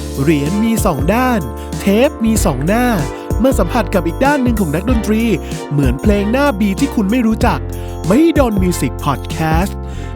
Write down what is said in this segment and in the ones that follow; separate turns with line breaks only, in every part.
เหรียญมี2ด้านเทปมี2หน้าเมื่อสัมผัสกับอีกด้านหนึ่งของนักดนตรีเหมือนเพลงหน้า B ที่คุณไม่รู้จัก Mahidol Music Podcast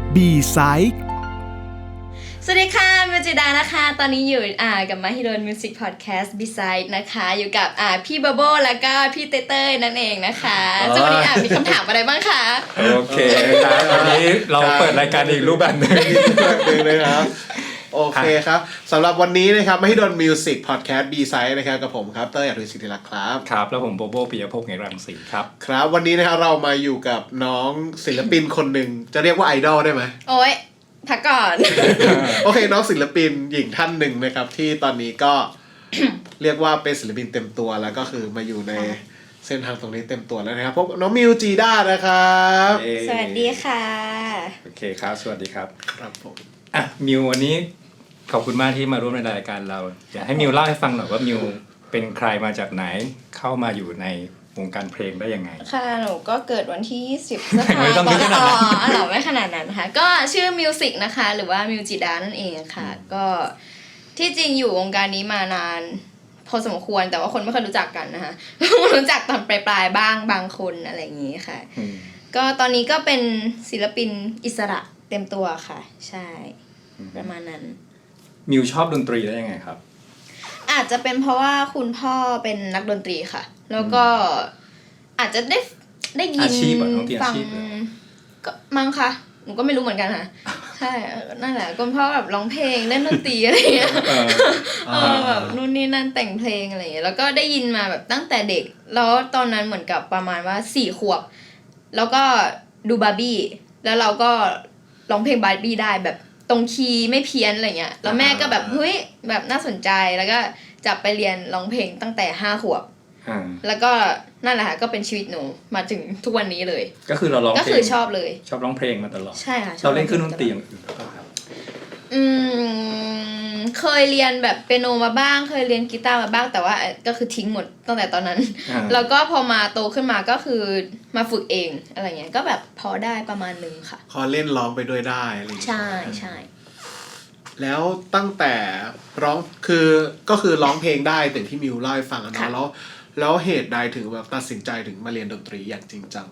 B-Side
สวัสดีค่ะมิวจิดานะคะตอนนี้อยู่กับ Mahidol Music Podcast B-Side นะคะอยู่กับพี่บับเบิ้ลแล้วก็พี่เต้ยนั่นเองนะคะซึ่งวันนี้มีคำถามอะไรบ้างคะ
โอเคครับวันนี้เราเปิดรายการอีกรูปแบบนึง
เลยครับโอเคครับสำหรับวันนี้นะครับMahidol Music Podcast B-Side นะครับกับผมครับเต้ยอภิสิทธิลักษณ์ครับ
ครับแล้วผมโบโบปิยภพเหงรังสีครับ
ครับวันนี้นะครับเรามาอยู่กับน้องศิลปินคนหนึ่งจะเรียกว่าไอดอลได้ไหม
โอ๊ยพักก่อน
โอเคน้องศิลปินหญิงท่านหนึ่งนะครับที่ตอนนี้ก็ เรียกว่าเป็นศิลปินเต็มตัวแล้วก็คือมาอยู่ในเส้นทางตรงนี้เต็มตัวแล้วนะครับพบน้องมิวจีด้านะครับ
สวัสดีค่ะ
โอเคครับสวัสดีครับ
ครับผม
มิววันนี้ขอบคุณมากที่มาร่วมในรายการเราอยากให้มิวเล่าให้ฟังหน่อยว่ามิวเป็นใครมาจากไหนเข้ามาอยู่ในวงการเพลงได้ยังไง
ค่ะหนูก็เกิดวันที่20 พฤษภาคมไม่ขนาดนั้นค่ะก็ชื่อมิวสิกนะคะหรือว่ามิวจิดานั่นเองค่ะก็ที่จริงอยู่วงการนี้มานานพอสมควรแต่ว่าคนไม่ค่อยรู้จักกันนะคะรู้จักตอนปลายๆบ้างบางคนอะไรอย่างนี้ค่ะก็ตอนนี้ก็เป็นศิลปินอิสระเต็มตัวค่ะใช่ประมาณนั้น
มิวชอบดนตรีได้ยังไงครับ
อาจจะเป็นเพราะว่าคุณพ่อเป็นนักดนตรีค่ะแล้วก็อาจจะได้ยินฟังก็มั้งค่ะหนูก็ไม่รู้เหมือนกันค่ะใช่นั่นแหละคุณพ่อแบบร้องเพลงเล่นดนตรีอะไรอย่างเงี้ยแบบนู่นนี่นั่นแต่งเพลงอะไรอย่างเงี้ยแล้วก็ได้ยินมาแบบตั้งแต่เด็กแล้วตอนนั้นเหมือนกับประมาณว่า4 ขวบแล้วก็ดูบาร์บี้แล้วเราก็ร้องเพลงบาร์บี้ได้แบบตรงคีย์ไม่เพี้ยนอะไรเงี้ยแล้วแม่ก็แบบเฮ้ยแบบน่าสนใจแล้วก็จับไปเรียนร้องเพลงตั้งแต่5 ขวบแล้วก็นั่นแหละค่ะก็เป็นชีวิตหนูมาถึงทุกวันนี้เลย
ก็คือเราร้องเพลง
ก็คือชอบเลย
ชอบร้องเพลงมาตลอด
ใช่ค่ะ
เราเล่นเครื่องดนตรีอย่างอื่นหรือเปล่าครับ
เคยเรียนแบบเปียโนมาบ้างเคยเรียนกีตาร์มาบ้างแต่ว่าก็คือทิ้งหมดตั้งแต่ตอนนั้นแล้วก็พอมาโตขึ้นมาก็คือมาฝึกเองอะไรเงี้ยก็แบบพอได้ประมาณนึงค่ะ
พอเล่นร้องไปด้วยได้อะไรอย่างเงี้ย
ใช่ใช่
แล้วตั้งแต่ร้องก็คือร้องเพลงได้แต่ที่มิวเล่าให้ฟังนะแล้วเหตุใดถึงแบบตัดสินใจถึงมาเรียนดนตรีอย่างจริงจัง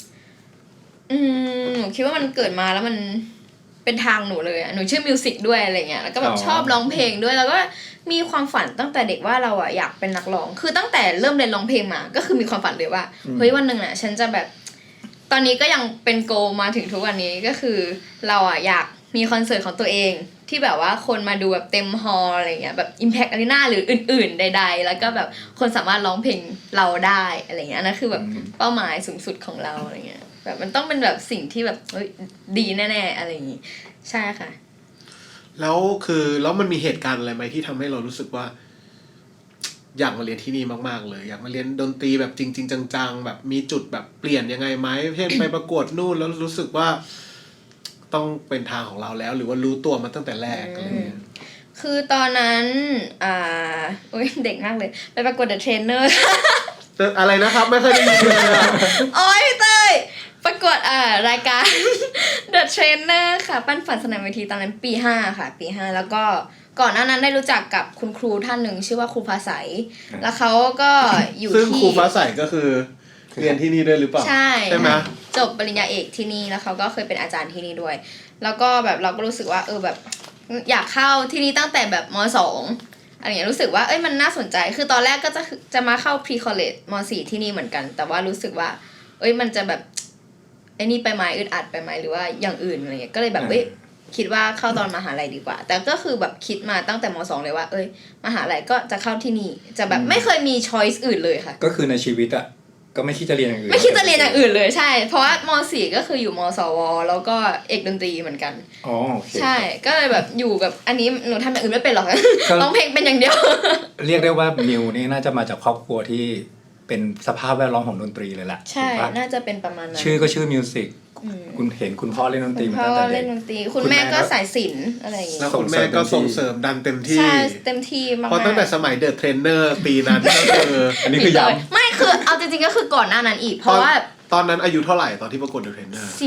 หนูคิดว่ามันเกิดมาแล้วมันเป็นทางหนูเลยหนูชื่อมิวสิกด้วยอะไรเงี้ยแล้วก็แบบชอบร้องเพลงด้วยแล้วก็มีความฝันตั้งแต่เด็กว่าเราอยากเป็นนักร้องคือตั้งแต่เริ่มเรียนร้องเพลงมาก็คือมีความฝันเลยว่าเฮ้ยวันนึงฉันจะแบบตอนนี้ก็ยังเป็นโกมาถึงทุกวันนี้ก็คือเราอยากมีคอนเสิร์ตของตัวเองที่แบบว่าคนมาดูแบบเต็มฮอลล์อะไรเงี้ยแบบ Impact Arena หรืออื่นๆใดๆแล้วก็แบบคนสามารถร้องเพลงเราได้อะไรเงี้ยนั่นคือแบบเป้าหมายสูงสุดของเราอะไรเงี้ยแบบมันต้องเป็นแบบสิ่งที่แบบดีแน่ๆอะไรอย่างงี้ใช่ค่ะ
แล้วมันมีเหตุการณ์อะไรไหมที่ทำให้เรารู้สึกว่าอยากมาเรียนที่นี่มากๆเลยอยากมาเรียนดนตรีแบบจริงๆจังๆแบบมีจุดแบบเปลี่ยนยังไงไหมเช่นไปประกวดนู่นแล้วรู้สึกว่าต้องเป็นทางของเราแล้วหรือว่ารู้ตัวมาตั้งแต่แรกอะไรเงี้ย
คือตอนนั้นเด็กมากเลยไปประกวด The Trainer
อะไรนะครับไม่เคยได้ยินเลย
โอ๊ยพี่เต้ยประกวดรายการ The Trainer ค่ะปั้นฝันสนามเวทีตอนนั้นปี5ค่ะปี5แล้วก็ก่อนหน้านั้นได้รู้จักกับคุณครูท่านหนึ่งชื่อว่าครูภาษาแล้วเขาก็อยู่ที่
ซึ่งครูภาษาก็คือเรียนที่นี่ด้วยหรือเปล่า
ใช่ไหมจบปริญญาเอกที่นี่แล้วเขาก็เคยเป็นอาจารย์ที่นี่ด้วยแล้วก็แบบเราก็รู้สึกว่าแบบอยากเข้าที่นี่ตั้งแต่แบบม.2 อะไรอย่างเงี้ยรู้สึกว่ามันน่าสนใจคือตอนแรกก็จะมาเข้า Pre College ม.4 ที่นี่เหมือนกันแต่ว่ารู้สึกว่ามันจะแบบไอ้นี่ไปไหมอึดอัดไปไหมหรือว่าอย่างอื่นอะไรเงี้ยก็เลยแบบคิดว่าเข้าตอนมหาลัยดีกว่าแต่ก็คือแบบคิดมาตั้งแต่ม.2 เลยว่ามหาลัยก็จะเข้าที่นี่จะแบบไม่เคยมี choice อื่นเลยค่ะ
ก็คือในชีวิตก็ไม่คิดจะเรียนอย่างอื่น
ไม่คิดจะเรียนอย่างอื่นเลยใช่เพราะว่าม .4 ก็คืออยู่มสวแล้วก็เอกดนตรีเหมือนกัน
อ๋อโอเค
ใช่ก็เลยแบบอยู่กับอันนี้หนูทำอย่างอื่นไม่เป็นหรอกร้องเพลงเป็นอย่างเดียว
เรียกได้ว่ามิวนี่น่าจะมาจากครอบครัวที่เป็นสภาพแวดล้อมของดนตรีเลยแหละ
ใช่น่าจะเป็นประมาณนั้น
ชื่อก็ชื่อมิวสิกคุณเห็นคุณพ่อเล่นดนตรีมาตั้งแต่เด็ก
คุณแม่ก็สายศิลป์อะไรอย่างเงี้ย
แล้วคุณแม่ก็ส่งเสริมดันเต็มที่
ใช่เต็มที่มาก
เพราะตั้งแต่สมัยเดอะเทรนเนอร์ปีนั้นก็คือ
อันนี้คือย้ำ
ไม่คือเอาจริงๆก็คือก่อนหน้านั้นอีกเพราะว่า
ตอนนั้นอายุเท่าไหร่ตอนที่ประกวดเดอะเทรนเนอร์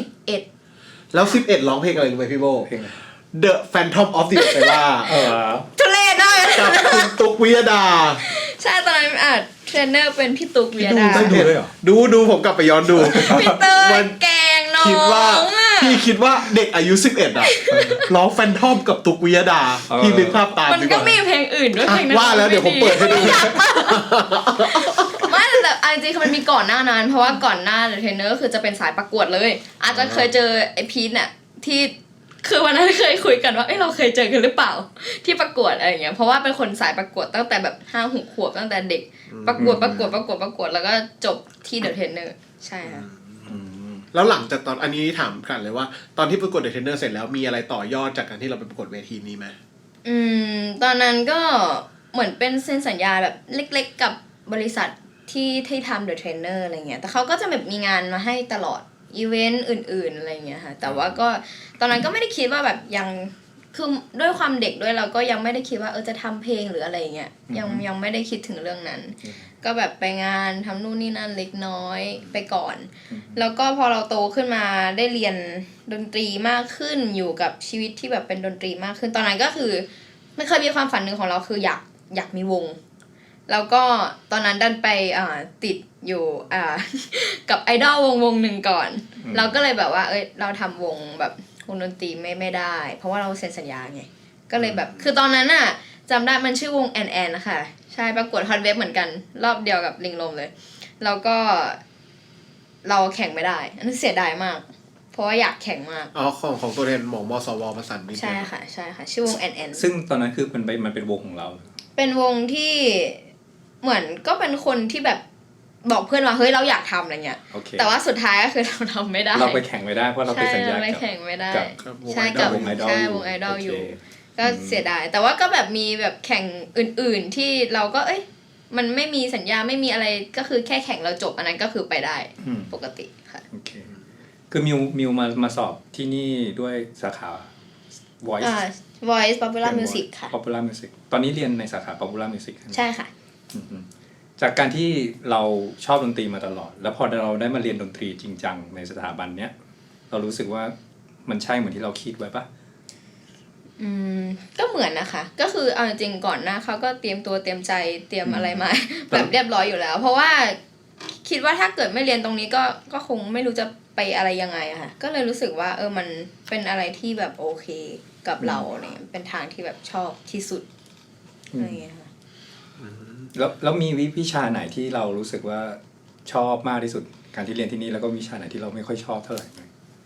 11
แล้ว11ร้องเพลงอะไรรู้ไหมพี่โบThe Phantom of the Opera
ทุเรศได้
กับคุณตุ๊กวิยดา
ใช่ตอนนั้นเทรนเนอร์เป็นพี่ตุ๊กวิยดา
ดูด้วยเหรอ
ดูผมกลับไปย้อนดู
พี่เตยแกงน้อง
พี่คิดว่าเด็กอายุ11ร้องแฟนทอมกับตุ๊กวิยดาพี่นึกภาพตาม
มันก็มีเพลงอื่นด้วยเพลงนั้น
ว่าแล้วเดี๋ยวผมเปิดให้ดู
ไม่แต่จริงๆคือมันมีก่อนหน้านั้นเพราะว่าก่อนหน้าเทรนเนอร์คือจะเป็นสายประกวดเลยอาจจะเคยเจอไอพีทเนี่ยที่คือวันนั้นเคยคุยกันว่าเราเคยเจอกันหรือเปล่าที่ประกวดอะไรอย่างเงี้ยเพราะว่าเป็นคนสายประกวดตั้งแต่แบบ5-6 ขวบตั้งแต่เด็กประกวดแล้วก็จบที่เดอะเทรนเนอร์ใช่ค่ะ
แล้วหลังจากตอนอันนี้ถามกันเลยว่าตอนที่ประกวดเดอะเทรนเนอร์เสร็จแล้วมีอะไรต่อยอดจากการที่เราไปประกวดเวทีนี้ไหม
ตอนนั้นก็เหมือนเป็นเซ็นสัญญาแบบเล็กๆกับบริษัทที่ทำเดอะเทรนเนอร์อะไรเงี้ยแต่เขาก็จะแบบมีงานมาให้ตลอดอีเวนต์อื่นๆอะไรเงี้ยค่ะแต่ว่าก็ตอนนั้นก็ไม่ได้คิดว่าแบบยังคือด้วยความเด็กด้วยเราก็ยังไม่ได้คิดว่าจะทำเพลงหรืออะไรเงี้ยยังไม่ได้คิดถึงเรื่องนั้นก็แบบไปงานทำนู่นนี่นั่นเล็กน้อยไปก่อนแล้วก็พอเราโตขึ้นมาได้เรียนดนตรีมากขึ้นอยู่กับชีวิตที่แบบเป็นดนตรีมากขึ้นตอนนั้นก็คือไม่เคยมีความฝันหนึ่งของเราคืออยากมีวงแล้วก็ตอนนั้นดันไปติดอยู่กับไอดอลวงหนึ่งก่อนเราก็เลยแบบว่าเราทำวงแบบวงดนตรีไม่ได้เพราะว่าเราเซ็นสัญญาไงก็เลยแบบคือตอนนั้นน่ะจำได้มันชื่อวงแอนนะคะใช่ประกวดฮอตเวฟเหมือนกันรอบเดียวกับลิงลมเลยแล้วก็เราแข่งไม่ได้อันนั้นเสียดายมากเพราะว่าอยากแข่งมาก
ของตัวแทนหม่องมสวประสานมิตร
ใช่ค่ะชื่อวงแอน
ซึ่งตอนนั้นคือมันเป็นวงของเรา
เป็นวงที่เหมือนก็เป็นคนที่แบบบอกเพื่อนว่าเฮ้ยเราอยากทำอะไรเงี้ย แต่ว่าสุดท้ายก็คือเราทำไม่ได้
เราไปแข่งไม่ได้เพราะเราไปสัญญา
ไปแข่งไม่ได้ใช่กับวงไอดอลอยู่ก็เสียดายแต่ว่าก็แบบมีแบบแข่งอื่นๆที่เราก็มันไม่มีสัญญาไม่มีอะไรก็คือแค่แข่งเราจบอันนั้นก็คือไปได้ปกติค่ะ
โอเคคือมิวมาสอบที่นี่ด้วยสาขา
Voice Popular Music ค่ะ
Popular Music ตอนนี้เรียนในสาขา Popular Music
ใช่ค่ะ
จากการที่เราชอบดนตรีมาตลอดแล้วพอเราได้มาเรียนดนตรีจริงจังในสถาบันเนี้ยเรารู้สึกว่ามันใช่เหมือนที่เราคิดไว้ปะ
ก็เหมือนนะคะก็คือเอาจริงก่อนหน้าเขาก็เตรียมตัวเตรียมใจเตรียมอะไรมาแบบเรียบร้อยอยู่แล้วเพราะว่าคิดว่าถ้าเกิดไม่เรียนตรงนี้ก็คงไม่รู้จะไปอะไรยังไงอะค่ะก็เลยรู้สึกว่ามันเป็นอะไรที่แบบโอเคกับเราเนี่ยเป็นทางที่แบบชอบที่สุดอะไรอย่างเงี้ยค่ะ
แล้วมีวิชาไหนที่เรารู้สึกว่าชอบมากที่สุดการที่เรียนที่นี่แล้วก็วิชาไหนที่เราไม่ค่อยชอบเท่าไหร่ไหม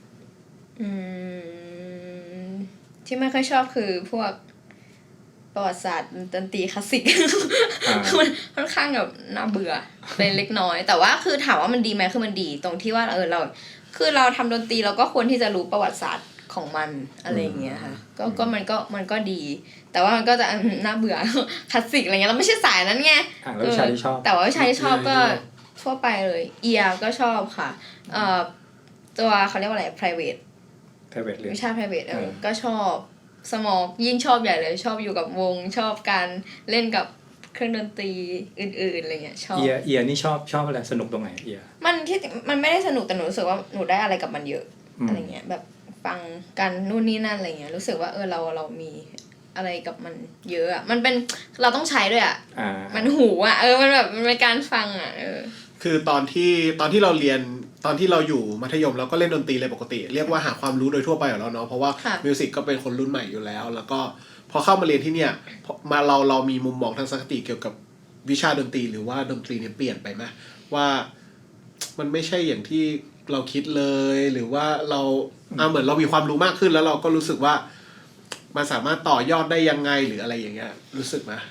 ที่ไม่ค่อยชอบคือพวกประวัติศาสตร์ดนตรีคลาสสิกมันค่อนข้างแบบน่าเบื่อเป็นเล็กน้อยแต่ว่าคือถามว่ามันดีไหมคือมันดีตรงที่ว่าเราคือเราทำดนตรีเราก็ควรที่จะรู้ประวัติศาสตร์ของมันอะไรอย่างเงี้ยค่ะก็มันก็ดีแต่ว่ามันก็จะน่าเบื่อคลาสสิกอะไรเงี้ยเราไม่ใช่สายนั้นไง
แล้ววิชาที่ชอบ
แต่ว่าวิชาที่ชอบก็ทั่วไปเลยเอียก็ชอบค่ะตัวเขาเรียกว่าอะไร private วิชา private ก็ชอบสมองยิ่งชอบใหญ่เลยชอบอยู่กับวงชอบการเล่นกับเครื่องดนตรีอื่นๆอะไรเงี้ยชอบ
เอียนี่ชอบอะไรสนุกตรงไหนเอีย
มันไม่ได้สนุกแต่หนูรู้สึกว่าหนูได้อะไรกับมันเยอะอะไรเงี้ยแบบฟังกันนู่นนี่นั่นอะไรเงี้ยรู้สึกว่าเรามีอะไรกับมันเยอะอ่ะมันเป็นเราต้องใช้ด้วยอ่ะมันหูอ่ะมันแบบมันเป็นการฟังอ่ะ
คือตอนที่เราเรียนตอนที่เราอยู่มัธยมเราก็เล่นดนตรีเลยปกติเรียกว่าหาความรู้โดยทั่วไปอยู่แล้วเนาะเพราะว่ามิวสิกก็เป็นคนรุ่นใหม่อยู่แล้วแล้วก็พอเข้ามาเรียนที่เนี่ยมาเรามีมุมมองทางทัศนคติเกี่ยวกับวิชาดนตรีหรือว่าดนตรีเนี่ยเปลี่ยนไปไหมว่ามันไม่ใช่อย่างที่เราคิดเลยหรือว่าเราเหมือนเรามีความรู้มากขึ้นแล้วเราก็รู้สึกว่ามันสามารถต่อยอดได้ยังไงหรืออะไรอย่างเงี้ยรู้สึกไหม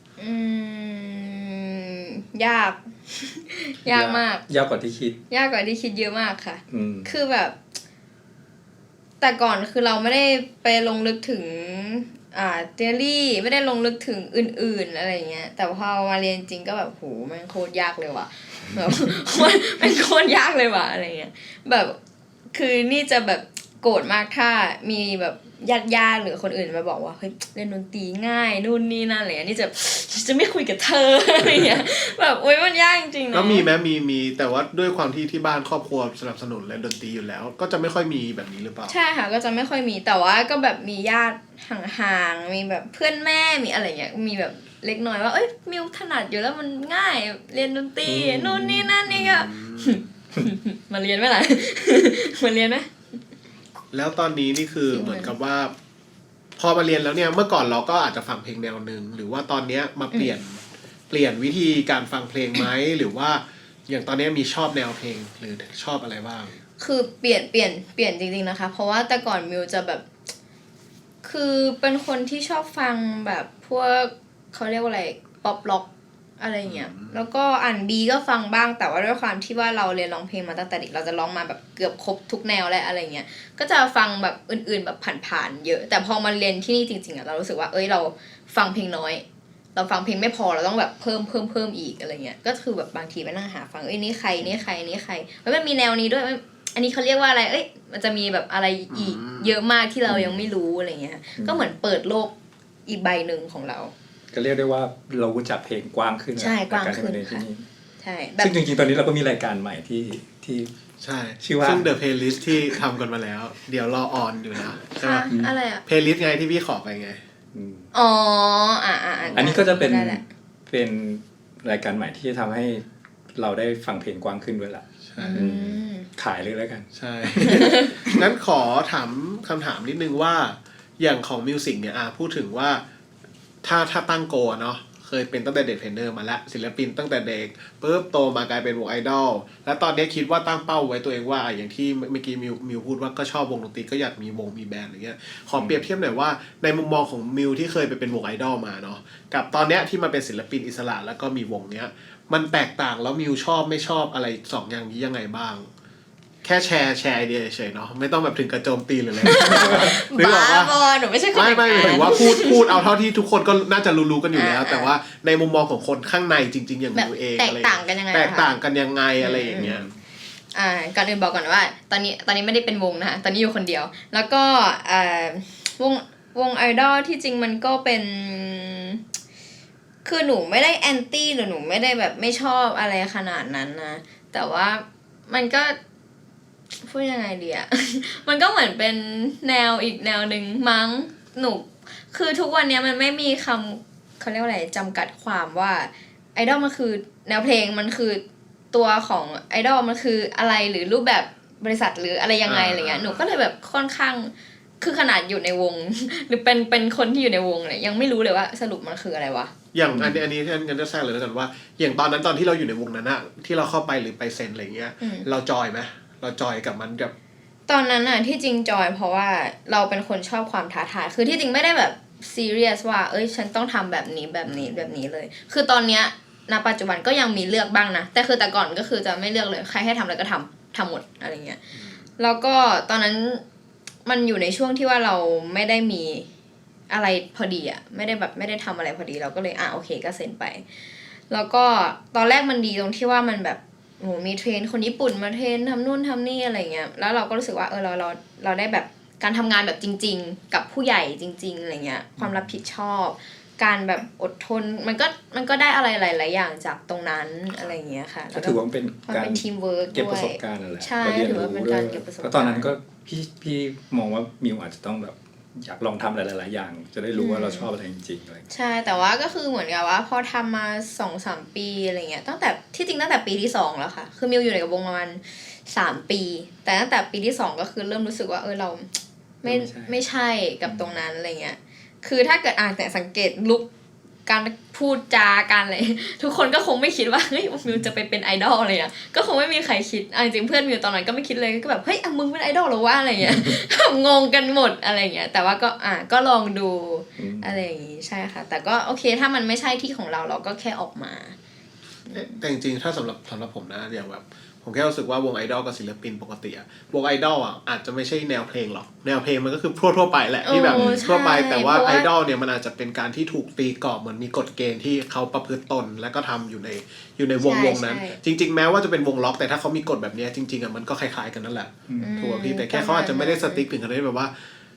ยากมาก
ยากกว่าที่คิด
เยอะมากค่ะคือแบบแต่ก่อนคือเราไม่ได้ไปลงลึกถึงเทอรี่ไม่ได้ลงลึกถึงอื่นๆอะไรเงี้ยแต่พอมาเรียนจริงก็แบบโหแม่งโคตรยากเลยว่ะแบบมันโคตรยากเลยว่ะอะไรเงี้ยแบบคือนี่จะแบบโกรธมากถ้ามีแบบญาติหรือคนอื่นมาบอกว่าเฮ้ยเล่นดนตรีง่ายนู่นนี่นั่นอะไรอย่างนี้จะไม่คุยกับเธออะไรเงี้ยแบบโอ๊ยมันยากจริงๆนะ
แล้วมีไหมมีแต่ว่าด้วยความที่บ้านครอบครัวสนับสนุนเล่นดนตรีอยู่แล้วก็จะไม่ค่อยมีแบบนี้หรือเปล่า
ใช่ค่ะก็จะไม่ค่อยมีแต่ว่าก็แบบมีญาติห่างๆมีแบบเพื่อนแม่มีอะไรเงี้ยมีแบบเล็กน้อยว่าเอ้ยมิวถนัดอยู่แล้วมันง่ายเรียนดนตรีนู่นนี่นั่นนี่ก็มาเรียนไหมล่ะ มาเรียนไหม
แล้วตอนนี้นี่คือเหมือนกับว่าพอมาเรียนแล้วเนี่ยเมื่อก่อนเราก็อาจจะฟังเพลงแนวนึงหรือว่าตอนเนี้ยมาเปลี่ยนวิธีการฟังเพลงไหมหรือว่าอย่างตอนนี้มีชอบแนวเพลงหรือชอบอะไรบ้าง
คือเปลี่ยนจริงๆนะคะเพราะว่าแต่ก่อนมิวจะแบบคือเป็นคนที่ชอบฟังแบบพวกเขาเรียกว่าอะไรป๊อปร็อกอะไรเงี้ยแล้วก็R&Bก็ฟังบ้างแต่ว่าด้วยความที่ว่าเราเรียนร้องเพลงมาตั้งแต่เด็กเราจะร้องมาแบบเกือบครบทุกแนวและอะไรเงี้ยก็จะฟังแบบอื่นๆแบบผ่านๆเยอะแต่พอมาเรียนที่นี่จริงๆเรารู้สึกว่าเราฟังเพลงน้อยเราฟังเพลงไม่พอเราต้องแบบเพิ่มอีกอะไรเงี้ยก็คือแบบบางทีไปนั่งหาฟังนี่ใครมันมีแนวนี้ด้วยอันนี้เขาเรียกว่าอะไรมันจะมีแบบอะไรอีกเยอะมากที่เรายังไม่รู้อะไรเงี้ยก็เหมือนเปิดโลกอีกใบหนึ่งของเรา
ก็เรียกได้ว่าเรารู้จักเพลงกว้างขึ้น
ใช่กว้างขึ้น
ใช่ซึ่งจริงๆตอนนี้เราก็มีรายการใหม่ที่
ใช่ชื่อว่าซึ่ง The Playlist ที่ทำกันมาแล้วเดี๋ยวรอออนอยู่นะใช่ไหม
อะไรอ่ะ
Playlist ไงที่พี่ขอไปไง
อ๋อ
อันนี้ก็จะเป็นรายการใหม่ที่จะทำให้เราได้ฟังเพลงกว้างขึ้นด้วยล่ะขายเลยแล้วกัน
ใช่ งั้นขอถามคำถามนิดนึงว่าอย่างของมิวสิกเนี่ยพูดถึงว่าถ้าตั้งโกเนาะเคยเป็นตั้งแต่เด็กเทรนเนอร์มาแล้วศิลปินตั้งแต่เด็กปุ๊บโตมากลายเป็นวงไอดอลแล้วตอนนี้คิดว่าตั้งเป้าไว้ตัวเองว่าอย่างที่เมื่อกี้มิวพูดว่าก็ชอบวงดนตรีก็อยากมีวงมีแบนด์อะไรเงี้ยขอเปรียบเทียบหน่อยว่าในมุมมองของมิวที่เคยไปเป็นวงไอดอลมาเนาะกับตอนเนี้ยที่มาเป็นศิลปินอิสระแล้วก็มีวงเนี้ยมันแตกต่างแล้วมิวชอบไม่ชอบอะไรสองอย่างนี้ยังไงบ้างแค่แชร์ไอเดียเฉยๆเนาะไม่ต้องแบบถึงกระโจมตีหรืออะไร
บ้าบอหนูไม่ใช่คน
ไม่ถือว่าพูดเอาเท่าที่ทุกคนก็น่าจะรู้กันอยู่แล้วแต่ว่าในมุมมองของคนข้างในจริงๆอย่างมิวเอง
แตกต่างกันยังไง
อะไรอย่างเงี้ย
ก่อนอื่นบอกก่อนว่าตอนนี้ไม่ได้เป็นวงนะคะตอนนี้อยู่คนเดียวแล้วก็วงไอดอลที่จริงมันก็เป็นคือหนูไม่ได้แอนตี้หรือหนูไม่ได้แบบไม่ชอบอะไรขนาดนั้นนะแต่ว่ามันก็พูดยังไงดีอะมันก็เหมือนเป็นแนวอีกแนวนึงมั้งหนูคือทุกวันนี้มันไม่มีคำเขาเรียกว่าอะไรจำกัดความว่าไอดอลมันคือแนวเพลงมันคือตัวของไอดอลมันคืออะไรหรือรูปแบบบริษัทหรืออะไรยังไงอะไรเงี้ยหนูก็เลยแบบค่อนข้างคือขนาดอยู่ในวงหรือเป็นคนที่อยู่ในวงเลยยังไม่รู้เลยว่าสรุปมันคืออะไรวะ
อย่างอันนี้ท่านกันจะแทรกเลยแล้วกันว่าอย่างตอนที่เราอยู่ในวงนั้นอะที่เราเข้าไปหรือไปเซ็นอะไรเงี้ยเราจอยไหมเราจอยกับมันกับ
ตอนนั้นน่ะที่จริงจอยเพราะว่าเราเป็นคนชอบความท้าทายคือที่จริงไม่ได้แบบซีเรียสว่าฉันต้องทำแบบนี้เลยคือตอนเนี้ยณปัจจุบันก็ยังมีเลือกบ้างนะแต่คือแต่ก่อนก็คือจะไม่เลือกเลยใครให้ทำอะไรก็ทำหมดอะไรเงี้ยแล้วก็ตอนนั้นมันอยู่ในช่วงที่ว่าเราไม่ได้มีอะไรพอดีอ่ะไม่ได้ทำอะไรพอดีเราก็เลยโอเคก็เซ็นไปแล้วก็ตอนแรกมันดีตรงที่ว่ามันแบบโหมีเทรนคนญี่ปุ่นมาเทรนทำนู่นทำนี่อะไรเงี้ยแล้วเราก็รู้สึกว่าเราได้แบบการทำงานแบบจริงๆกับผู้ใหญ่จริงๆอะไรเงี้ยความรับผิดชอบการแบบอดทนมันก็ได้อะไรหลายๆอย่างจากตรงนั้นอะไรเงี้ยค่ะ
ก็ถือว่าเป็นการ
ทีมเวิร์ค
เก็บประสบการณ์อะไร
ใช่ถือว่าเป็นการเก็บประสบการณ์
เพราะตอนนั้นก็พี่มองว่ามิวอาจจะต้องแบบอยากลองทำอะไรหลายๆอย่างจะได้รู้ว่าเราชอบอะไรจริงๆอะไร
ใช่แต่ว่าก็คือเหมือนกับว่าพอทำมา 2-3 ปีอะไรเงี้ยตั้งแต่ปีที่2แล้วค่ะคือมิวอยู่ในวงประมาณ3ปีแต่ตั้งแต่ปีที่2ก็คือเริ่มรู้สึกว่าเราไม่ใช่กับตรงนั้นอะไรเงี้ยคือถ้าเกิดแต่สังเกตลุคการพูดจาการอะไรทุกคนก็คงไม่คิดว่าเฮ้ยมิวจะไปเป็นไอดอลอะไรอ่ะก็คงไม่มีใครคิดจริงเพื่อนมิวตอนนั้นก็ไม่คิดเลยก็แบบเฮ้ยมึงเป็นไอดอลหรอวะอะไรเงี้ย งงกันหมดอะไรเงี้ยแต่ว่าก็ลองดูอะไรอย่างงี้ใช่ค่ะแต่ก็โอเคถ้ามันไม่ใช่ที่ของเราก็แค่ออกมา
แต่จริงๆถ้าสำหรับผมนะอย่างแบบผมแค่รู้สึกว่าวงไอดอลกับศิลปินปกติอะวงไอดอลอะอาจจะไม่ใช่แนวเพลงหรอกแนวเพลงมันก็คือทั่วไปแหละที่แบบทั่วไปแต่ว่าไอดอลเนี่ยมันอาจจะเป็นการที่ถูกตีกรอบเหมือนมีกฎเกณฑ์ที่เขาประพฤติตนและก็ทำอยู่ในวงนั้นจริงๆแม้ว่าจะเป็นวงล็อกแต่ถ้าเขามีกฎแบบนี้จริงๆอะมันก็คล้ายๆกันนั่นแหละถูกป่ะพี่แต่แค่เขาอาจจะไม่ได้สติ๊กถึงขนาดที่แบบว่า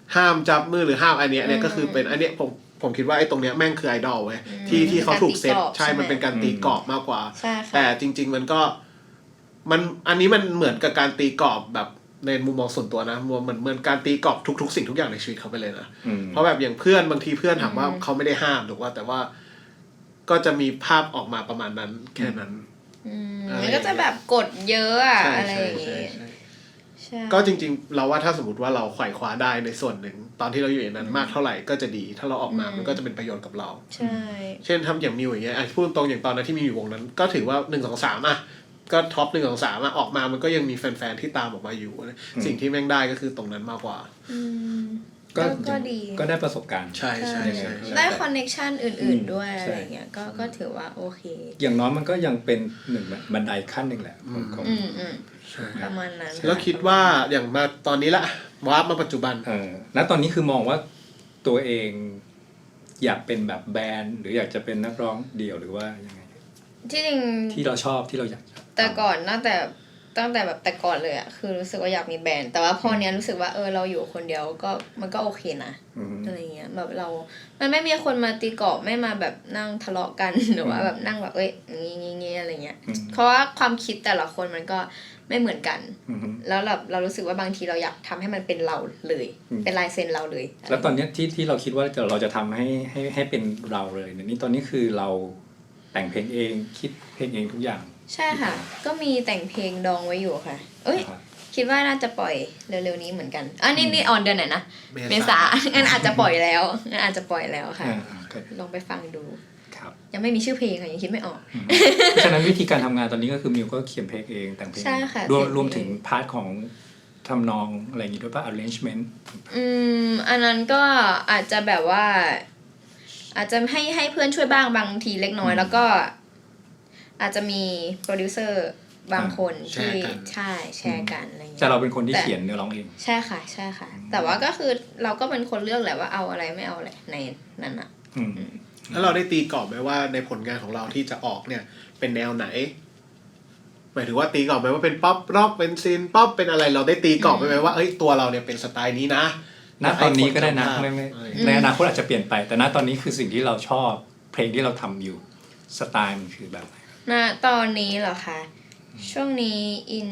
ห้ามจับมือหรือห้ามอันเนี้ยเนี่ยก็คือเป็นอันเนี้ยผมคิดว่าไอ้ตรงเนี้ยแม่งคือไอดอลเว้ยที่เขาถูกเซตใช่มันเป็นการตีกรอบมากกว่าแต่จริงๆมันก็มันอันนี้มันเหมือนกับการตีกรอบแบบในมุมมองส่วนตัวนะเหมือนการตีกรอบทุกสิ่งทุกอย่างในชีวิตเขาไปเลยนะเพราะแบบอย่างเพื่อนบางทีเพื่อนถามว่าเขาไม่ได้ห้ามถูกว่าแต่ว่าก็จะมีภาพออกมาประมาณนั้นแค่นั้น
มันก็จะแบบกดเยอะอะอะไรอย่างงี้
ก็จริงๆเราว่าถ้าสมมติว่าเราไขว่คว้าได้ในส่วนหนึ่งตอนที่เราอยู่ในนั้นมากเท่าไหร่ก็จะดีถ้าเราออกมามันก็จะเป็นประโยชน์กับเรา
ใช่
เช่นทำอย่างมิวอย่างเงี้ยพูดตรงอย่างตอนนั้นที่มีอยู่วงนั้นก็ถือว่า1 2 3อ่ะก็ท็อป1 2 3อ่ะออกมามันก็ยังมีแฟนๆที่ตามออกมาอยู่สิ่งที่แม่งได้ก็คือตรงนั้นมากกว่า
ก็ดี
ก็ได้ประสบการณ์
ใช่
ได้คอนเนคชั่นอื่นๆด้วยอะไรเงี้ยก็ถือว่าโอเค
อย่างน้อยมันก็ยังเป็นหนึ่งบันไดขั้นหนึ่งแหละของ
ประมาณนั้น
แล้วคิดว่าอย่างมาตอนนี้ละวาร์ปมาปัจจุบัน
แล้วตอนนี้คือมองว่าตัวเองอยากเป็นแบบแบนด์หรืออยากจะเป็นนักร้องเดี่ยวหรือว่ายังไง
ที่จริง
ที่เราชอบที่เราอยาก
แต่ก่อนตั้งแต่แบบแต่ก่อนเลยอะคือรู้สึกว่าอยากมีแบรนด์แต่ว่าพอเนี้ยรู้สึกว่าเราอยู่คนเดียวก็มันก็โอเคนะอะไรเงี้ยแบบมันไม่มีคนมาตีกรอบไม่มาแบบนั่งทะเลาะกันหรือว่าแบบนั่งแบบงี้อะไรเงี้ยเพราะว่าความคิดแต่ละคนมันก็ไม่เหมือนกันแล้วเรารู้สึกว่าบางทีเราอยากทำให้มันเป็นเราเลยเป็นลายเซ็นเราเลย
แล้วตอนนี้ที่เราคิดว่าเราจะทำให้เป็นเราเลยนี่ตอนนี้คือเราแต่งเพลงเองคิดเพลงเองทุกอย่าง
ใช่ค่ะก็มีแต่งเพลงดองไว้อยู่ค่ะคิดว่าน่าจะปล่อยเร็วๆนี้เหมือนกันนี่ออนเดือนไหนนะเมษางั้นอาจจะปล่อยแล้วค่ะลองไปฟังดูยังไม่มีชื่อเพลงค่ะยังคิดไม่ออก
เพราะฉะนั้นวิธีการทำงานตอนนี้ก็คือมิวก็เขียนเพลงเองแต่งเพลงรวมถึงพาร์ทของทำนองอะไรอย่างงี้ด้วยป่ะ arrangement
อันนั้นก็อาจจะแบบว่าอาจจะให้เพื่อนช่วยบ้างบางทีเล็กน้อยแล้วก็อาจจะมีโปรดิวเซอร์บางคนที่ใช่แชร์กันอะไรอย่างเงี้ย
แต่เราเป็นคนที่เขียนเนื้อร้องเอง
ใช่ค่ะแต่ว่าก็คือเราก็เป็นคนเลือกแหละว่าเอาอะไรไม่เอาอะไรในนั้นอ่ะ
แล้วเราได้ตีกรอบไหมว่าในผลงานของเราที่จะออกเนี่ยเป็นแนวไหนหมายถึงว่าตีกรอบไหมว่าเป็นป๊อปร็อกเป็นซินป๊อปเป็นอะไรเราได้ตีกรอบไหมว่าตัวเราเนี่ยเป็นสไตล์นี้นะ
ณตอนนี้ก็ได้นะไม่ในอนาคตอาจจะเปลี่ยนไปแต่ณตอนนี้คือสิ่งที่เราชอบเพลงที่เราทำอยู่สไตล์มันคือแบบไหน
ณตอนนี้เหรอคะช่วงนี้ in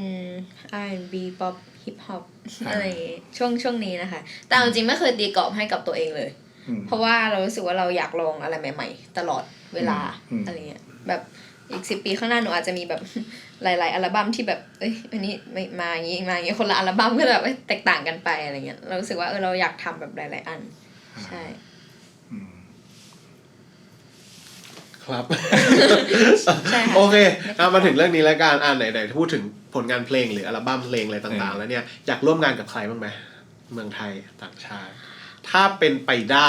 R&B pop hip hop อะไรช่วงนี้นะคะแต่จริงๆไม่เคยตีกรอบให้กับตัวเองเลยเพราะว่าเรารู้สึกว่าเราอยากลองอะไรใหม่ๆตลอดเวลาอะไรเงี้ยแบบอีก10 ปีข้างหน้าหนูอาจจะมีแบบหลายๆอัลบั้มที่แบบอันนี้ไม่มาอย่างงี้คนละอัลบั้มก็แบบแตกต่างกันไปอะไรเงี้ยเรารู้สึกว่าเราอยากทำแบบหลายๆอันใช่
ครับโอเคมาถึงเรื่องนี้แล้วกันไหนพูดถึงผลงานเพลงหรืออัลบั้มเพลงอะไรต่างๆแล้วเนี่ยอยากร่วมงานกับใครบ้างไหมเมืองไทยต่างชาติถ้าเป็นไปได้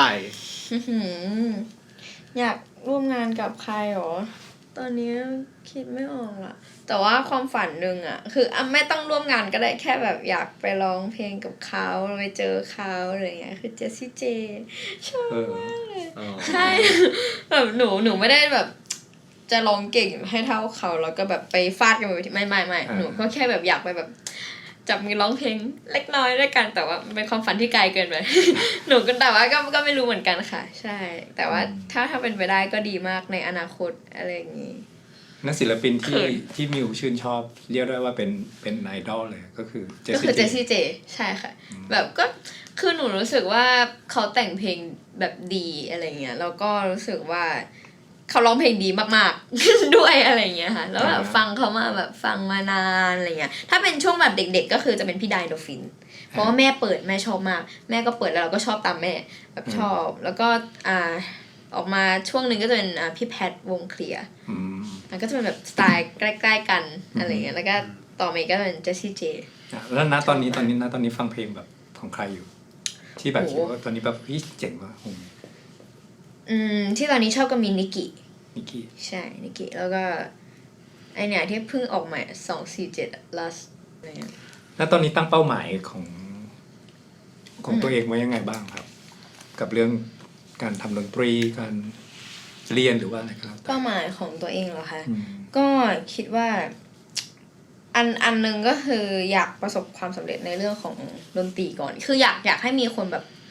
อยากร่วมงานกับใครหรอตอนนี้คิดไม่ออกอะแต่ว่าความฝันนึงอะคือไม่ต้องร่วมงานก็ได้แค่แบบอยากไปร้องเพลงกับเขาไปเจอเขาอะไรเงี้ยคือเจสซี่เจชอบมากเลยใช่แบบหนูไม่ได้แบบจะร้องเก่งให้เท่าเขาแล้วก็แบบไปฟาดกันไปไม่หนูก็แค่แบบอยากไปแบบจับมือร้องเพลงเล็กน้อยด้วยกันแต่ว่าเป็นความฝันที่ไกลเกินไปหนูก็แต่ว่าก็ไม่รู้เหมือนกันค่ะใช่แต่ว่าถ้าเป็นไปได้ก็ดีมากในอนาคตอะไรอย่างงี้
นักศิลปินที่มิวชื่นชอบเรียกได้ว่าเป็นไอดอลเลยก็คือเจ
สซี่เจใช่ค่ะแบบก็คือหนูรู้สึกว่าเขาแต่งเพลงแบบดีอะไรเงี้ยแล้วก็รู้สึกว่าเขาร้องเพลงดีมากๆด้วยอะไรเงี้ยค่ะแล้วแบบฟังเขามาแบบฟังมานานอะไรเงี้ยถ้าเป็นช่วงแบบเด็กๆก็คือจะเป็นพี่ไดโดฟินเพราะว่าแม่เปิดแม่ชอบมากแม่ก็เปิดแล้วเราก็ชอบตามแม่แบบชอบแล้วก็ออกมาช่วงนึงก็จะเป็นพี่แพทวงเคลียร์มันก็จะเป็นแบบสไตล์ใกล้ๆกันอะไรเงี้ยแล้วก็ต่อมาก็เป็นเจสซี่เจ
แล้วตอนนี้ฟังเพลงแบบของใครอยู่ที่แบบคิดว่าตอนนี้แบบเจ๋งว่ะ
ที่ตอนนี้ชอบก็มีนิกิใช่นิกิแล้วก็ไอเนี่ยที่เพิ่งออกใหม่247 last อะไรเงี้ย
แล้วตอนนี้ตั้งเป้าหมายของตัวเองไว้ยังไงบ้างครับกับเรื่องการทำดนตรีการเรียนหรือว่าอะไรครับ
เป้าหมายของตัวเองเหรอคะก็คิดว่าอันนึงก็คืออยากประสบความสำเร็จในเรื่องของดนตรีก่อนคืออยากให้มีคนแบบ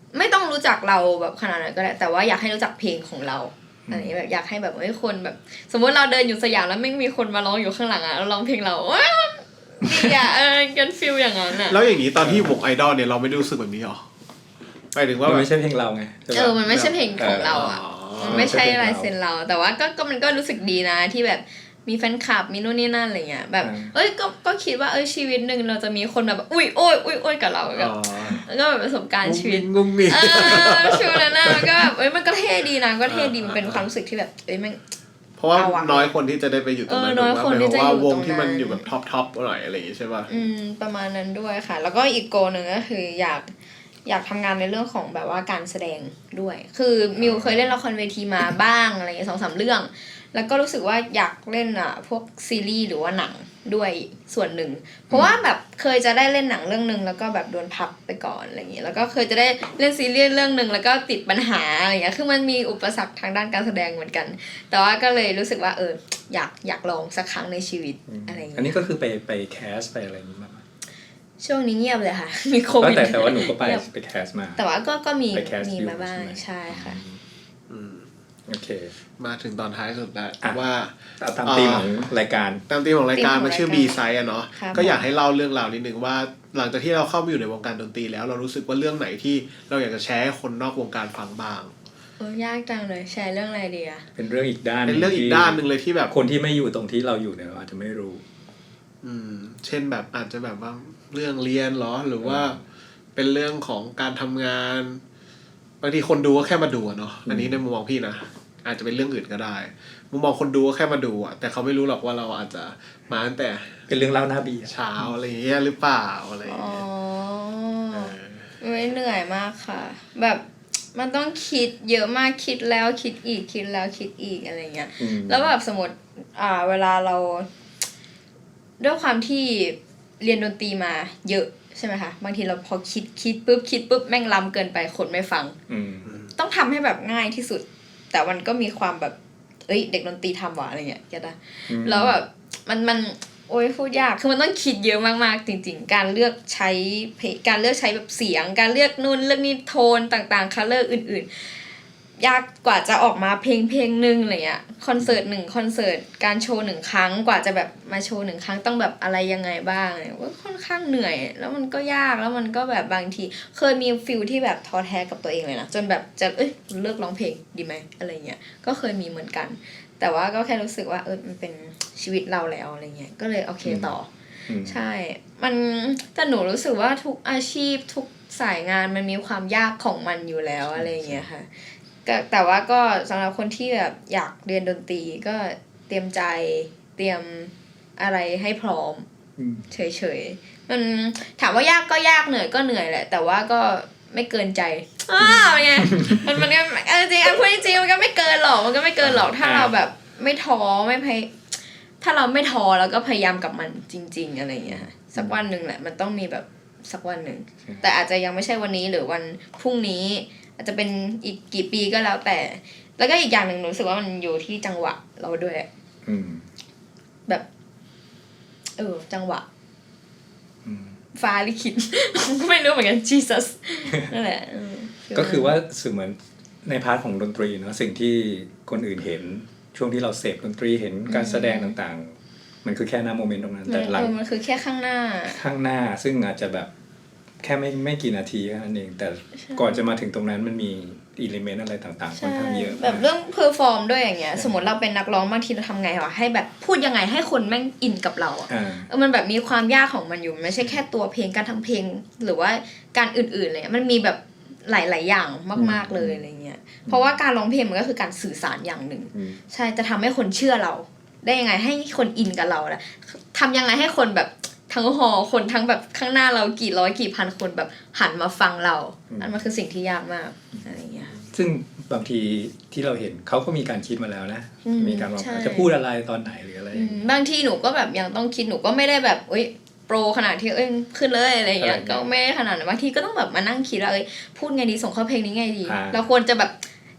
ไม่ต้องรู้จักเราแบบขนาดนั้นก็ได้แต่ว่าอยากให้รู้จักเพลงของเราอันนี้แบบอยากให้แบบคนแบบสมมติเราเดินอยู่สยามแล้วไม่มีคนมาร้องอยู่ข้างหลังอ่ะเราร้องเพลงเราดีอ่ะกันฟีลอย่างนั้นอ่ะ
แล้วอย่างนี้ตอนที่วงไอดอลเนี่ยเราไม่ได้รู้สึกแบบนี้หรอไปถึงว่า
มันไม่ใช่เพลงเราไง
มันไม่ใช่เพลงของเราอ่ะมันไม่ใช่ลายเซ็นเราแต่ว่าก็มันก็รู้สึกดีนะที่แบบมีแฟนคลับมีนู่นนี่นั่นอะไรเงี้ยแบบก็คิดว่าชีวิตนึงเราจะมีคนแบบอุ้ยโอ้ยกับเราแบบแล้วก็แบบประสบการณ์ชีวิต
งุ้งงิ้ง
ชีวิตนั้นมันก็แบบมันก็เท่ดีนะก็เท่ดีมันเป็นความรู้สึกที่แบบมัน
เพราะว่าน้อยคนที่จะได้ไปอยู่ตรงนั้น
น้อยคนที่จะอยู่ตรงนั้น
วงที่มันอยู่แบบท็อปหน่อยอะไรอย่างงี้ใช่ป่ะ
ประมาณนั้นด้วยค่ะแล้วก็อีกโกนึงก็คืออยากทำงานในเรื่องของแบบว่าการแสดงด้วยคือมิวเคยเล่นละครเวทีมาบ้างอะไรเงี้ย 2-3 เรื่องแล้วก็รู้สึกว่าอยากเล่นพวกซีรีส์หรือว่าหนังด้วยส่วนหนึ่งเพราะว่าแบบเคยจะได้เล่นหนังเรื่องนึงแล้วก็แบบโดนพักไปก่อนอะไรอย่างเงี้ยแล้วก็เคยจะได้เล่นซีรีส์เรื่องนึงแล้วก็ติดปัญหาอะไรเงี้ยคือมันมีอุปสรรคทางด้านการแสดงเหมือนกันแต่ว่าก็เลยรู้สึกว่าอยากลองสักครั้งในชีวิตอะไรอย่างเงี้ย
อันนี้ก็คือไปแคสไปอะไรอย่างงี้มา
ช่วงนี้เงียบเลยค่ะมีโควิด
แต่ว่าหนูก็ไปแคสมา
แต่ว่าก็มีมาบ้างใช่ค่ะ
โอเค
มาถึงตอนท้ายสุดแล้วว่า
ตามธีมของรายการ
มันชื่อ B Side อ่ะเนาะก็อยากให้เล่าเรื่องราวนิดนึงว่าหลังจากที่เราเข้ามาอยู่ในวงการดนตรีแล้วเรารู้สึกว่าเรื่องไหนที่เราอยากจะแชร์ให้คนนอกวงการฟังบ้าง
ยากจังเลยแชร์เรื่องอะไรดีอ่ะ
เป็นเรื่องอีกด้าน
นึงเลยที่แบบ
คนที่ไม่อยู่ตรงที่เราอยู่เนี่ยอาจจะไม่รู้
เช่นแบบอาจจะแบบว่าเรื่องเรียนหรอหรือว่าเป็นเรื่องของการทำงานบางทีคนดูก็แค่มาดูเนาะอันนี้ในมุมมองพี่นะอาจจะเป็นเรื่องอื่นก็ได้มุมมองคนดูก็แค่มาดูแต่เขาไม่รู้หรอกว่าเราอาจจะมาตั้งแต่
เป็นเรื่องเล่าหน้าบี
เช้าอะไรอย่างเงี้ยหรือเปล่าอะไรอย่างเงี้ย
ไม่เหนื่อยมากค่ะแบบมันต้องคิดเยอะมากคิดแล้วคิดอีกคิดแล้วคิดอีกอะไรเงี้ยแล้วแบบสมมติเวลาเราด้วยความที่เรียนดนตรีมาเยอะใช่ไหมคะบางทีเราพอคิดปุ๊บแม่งล้ำเกินไปคนไม่ฟังต้องทำให้แบบง่ายที่สุดแต่มันก็มีความแบบเด็กดนตรีทำว่ะอะไรเงี้ยได้แล้วแบบมันพูดยากคือมันต้องคิดเยอะมากๆจริงๆการเลือกใช้แบบเสียงการเลือกนู่นเลือกนี่โทนต่างๆคัลเลอร์อื่นๆยากกว่าจะออกมาเพลงนึงอะไรเงี้ยคอนเสิร์ต1คอนเสิร์ตการโชว์1ครั้งกว่าจะแบบมาโชว์1ครั้งต้องแบบอะไรยังไงบ้างว่าค่อนข้างเหนื่อยแล้วมันก็ยากแล้วมันก็แบบบางทีเคยมีฟีลที่แบบท้อแท้กับตัวเองเลยนะจนแบบจะเลิกร้องเพลงดีไหมอะไรเงี้ยก็เคยมีเหมือนกันแต่ว่าก็แค่รู้สึกว่ามันเป็นชีวิตเราแล้วอะไรเงี้ยก็เลยโอเคต่อใช่มันแต่หนูรู้สึกว่าทุกอาชีพทุกสายงานมันมีความยากของมันอยู่แล้วอะไรเงี้ยค่ะแต่ว่าก็สำหรับคนที่แบบอยากเรียนดนตรีก็เตรียมใจเตรียมอะไรให้พร้อมเฉยๆมันถามว่ายากก็ยากเหนื่อยก็เหนื่อยแหละแต่ว่าก็ไม่เกินใจไงมันก็จริงพูดจริงมันก็ไม่เกินหรอกถ้าเราแบบไม่ท้อถ้าเราไม่ท้อแล้วก็พยายามกับมันจริงๆอะไรอย่างเงี้ยสักวันนึงแหละมันต้องมีแบบสักวันนึงแต่อาจจะยังไม่ใช่วันนี้หรือวันพรุ่งนี้อาจจะเป็นอีกกี่ปีก็แล้วแต่แล้วก็อีกอย่างหนึ่งรู้สึกว่ามันอยู่ที่จังหวะเราด้วยแบบจังหวะฟ้าลิขิตไม่รู้เหมือนกัน Jesus นั่นแหละ
ก็คือว่าสื่อเหมือนในพาร์ทของดนตรีเนาะสิ่งที่คนอื่นเห็นช่วงที่เราเสพดนตรีเห็นการแสดงต่างๆมันคือแค่หน้าโมเมนต์ตรงนั้นแต่หลัง
มันคือแค่ข้างหน้า
ซึ่งอาจจะแบบแค่ไม่กี่นาทีแค่นั้นเองแต่ก่อนจะมาถึงตรงนั้นมันมีอิเลเมนต์อะไรต่างๆค่อนข้างเยอะ
แบบเรื่องเพอร์ฟอร์มด้วยอย่างเงี้ยสมมติเราเป็นนักร้องบางทีเราทำไงวะให้แบบพูดยังไงให้คนแม่งอินกับเรามันแบบมีความยากของมันอยู่ไม่ใช่แค่ตัวเพลงการทำเพลงหรือว่าการอื่นๆเลยมันมีแบบหลายๆอย่างมากๆเลยอะไรเงี้ยเพราะว่าการร้องเพลงมันก็คือการสื่อสารอย่างหนึ่งใช่จะทำให้คนเชื่อเราได้ยังไงให้คนอินกับเราล่ะทำยังไงให้คนแบบทั้งหอคนทั้งแบบข้างหน้าเรากี่ร้อยกี่พันคนแบบหันมาฟังเราอันมันคือสิ่งที่ยากมากอะไรเงี้ย
ซึ่งบางทีที่เราเห็นเขาก็มีการคิดมาแล้วนะมีการว่าจะพูดอะไรตอนไหนหรืออะไร
บางทีหนูก็แบบยังต้องคิดหนูก็ไม่ได้แบบโปรขนาดที่ขึ้นเลยอะไรเงี้ยก็ไม่ขนาดนั้นบางทีก็ต้องแบบมานั่งคิดว่าพูดไงดีส่งเข้าเพลงนี้ไงดีเราควรจะแบบ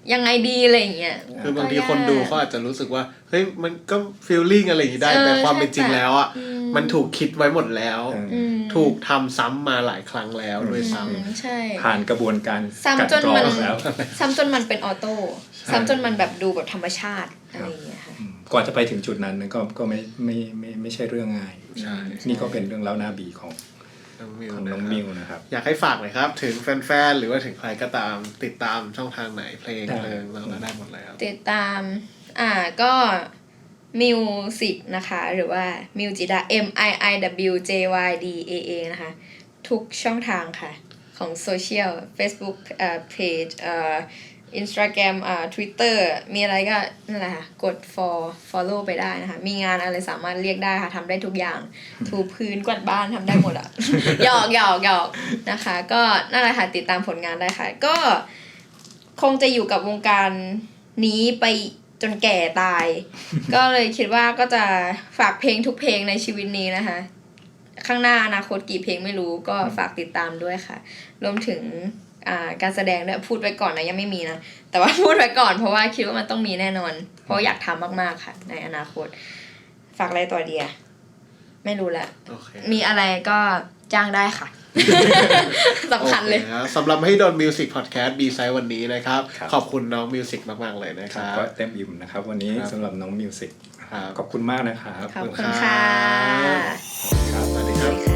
ยังไงดีอะไรอย่างเงี้ย
คือบางทีคนดูเขาอาจจะรู้สึกว่าเฮ้ยมันก็ฟีลลิ่งอะไรอย่างนี้ได้แต่ความเป็นจริงแล้วอ่ะมันถูกคิดไว้หมดแล้วถูกทำซ้ำมาหลายครั้งแล้วด้วยซ้ำ
ใช่
ผ่านกระบวนการ
ซ้ำจนมัน
แล้ว
ซ้ำจนมันเป็นออโต้ซ้ำจนมันแบบดูแบบธรรมชาติอะไรอย่างเงี้ยค่ะ
กว่าจะไปถึงจุดนั้นก็ไม่ใช่เรื่องง่ายนี่ก็เป็นเรื่องเล่าหน้าบีของน้องมิวนะครับ
อยากให้ฝากหน่อยครับถึงแฟนๆหรือว่าถึงใครก็ตามติดตามช่องทางไหนเพลงเราได้หมดแล้ว
ติดตามก็มิวสิกนะคะหรือว่ามิวจิดา MIIWJYDAA นะคะทุกช่องทางค่ะของโซเชียล Facebook page Instagram Twitter มีอะไรก็นั่นแหละค่ะกด follow ไปได้นะคะมีงานอะไรสามารถเรียกได้ค่ะทำได้ทุกอย่างถูพื้นกวาดบ้านทำได้หมดอ่ะ หยอกนะคะก็นั่นแหละค่ะติดตามผลงานได้ค่ะก็คงจะอยู่กับวงการนี้ไปจนแก่ตาย ก็เลยคิดว่าก็จะฝากเพลงทุกเพลงในชีวิตนี้นะคะข้างหน้าอนาคตกี่เพลงไม่รู้ก็ฝากติดตามด้วยค่ะรวมถึงการแสดงด้วยพูดไว้ก่อนนะยังไม่มีนะแต่ว่าพูดไว้ก่อนเพราะว่าคิดว่ามันต้องมีแน่นอนเพราะอยากทำมากๆค่ะในอนาคตฝากอะไรต่อเดียไม่รู้ละ มีอะไรก็จ้างได้ค่ะ สำคัญเลย
สำหรับให้ดอนมิวสิกพอดแคสต์บีไซด์วันนี้นะครับขอบคุณน้องมิวสิกมากๆเลยนะครับ
ก็เต็มอิ่มนะครับวันนี้สำหรับน้องมิวสิกขอบคุณมากนะครับ
ขอบคุณค่ะ
สวัสดีครับ